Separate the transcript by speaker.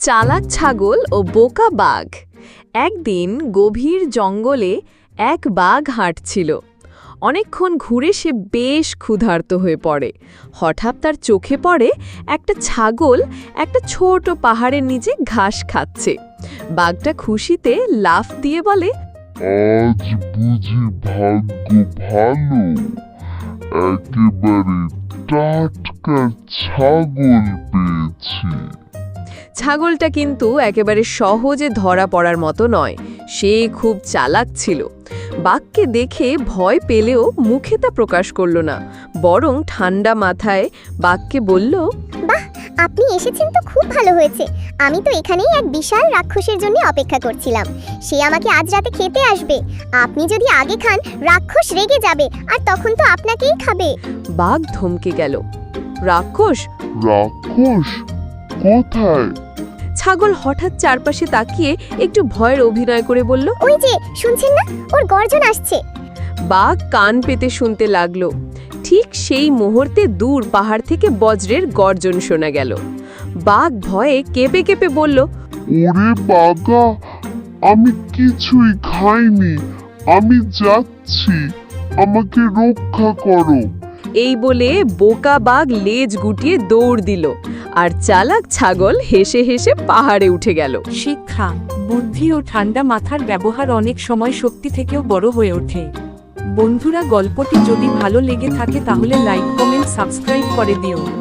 Speaker 1: চালাক ছাগল ও বোকা বাঘ। একদিন গভীর জঙ্গলে এক বাঘ হাঁটছিল। অনেকক্ষণ ঘুরে সে বেশ ক্ষুধার্ত হয়ে পড়ে। হঠাৎ তার চোখে পড়ে একটা ছাগল একটা ছোট পাহাড়ের নিচে ঘাস খাচ্ছে। বাঘটা খুশিতে লাফ দিয়ে বলে,
Speaker 2: আজ বুঝি ভাগ্য ভালো, একেবারে টাটকা ছাগল পেয়েছি।
Speaker 1: ছাগলটা কিন্তু একেবারে সহজে ধরা পড়ার মতো নয়, সে খুব চালাক ছিল। বাঘকে দেখে ভয় পেলেও মুখে তা প্রকাশ করল না, বরং ঠান্ডা মাথায় বাঘকে বলল,
Speaker 3: বাহ, আপনি এসেছেন তো খুব ভালো হয়েছে। আমি তো এখানেই এক বিশাল রাক্ষসের জন্য অপেক্ষা করছিলাম। সে আমাকে আজ রাতে খেতে আসবে। আপনি যদি আগে খান, রাক্ষস রেগে যাবে আর তখন তো আপনাকেই খাবে।
Speaker 1: বাঘ থমকে গেল। রাক্ষস?
Speaker 2: রাক্ষস কোথায়?
Speaker 1: ছাগল হঠাৎ চারপাশে তাকিয়ে একটু ভয়ের অভিনয় করে বলল,
Speaker 3: ওই যে শুনছেন না, ওর গর্জন আসছে।
Speaker 1: বাঘ কান পেতে শুনতে লাগলো। ঠিক সেই মুহূর্তে দূর পাহাড় থেকে বজ্রের গর্জন শোনা গেল। বাঘ ভয়ে কেঁপে কেঁপে বলল,
Speaker 2: ওরে বাগা, আমি কিছুই খাইনি, আমি যাচ্ছি, আমাকে রক্ষা করো।
Speaker 1: এই বলে বোকা বাঘ লেজ গুটিয়ে দৌড় দিল, আর চালাক ছাগল হেসে হেসে পাহাড়ে উঠে গেল।
Speaker 4: শিক্ষা, বুদ্ধি ও ঠান্ডা মাথার ব্যবহার অনেক সময় শক্তি থেকেও বড় হয়ে ওঠে। বন্ধুরা, গল্পটি যদি ভালো লেগে থাকে তাহলে লাইক, কমেন্ট, সাবস্ক্রাইব করে দিও।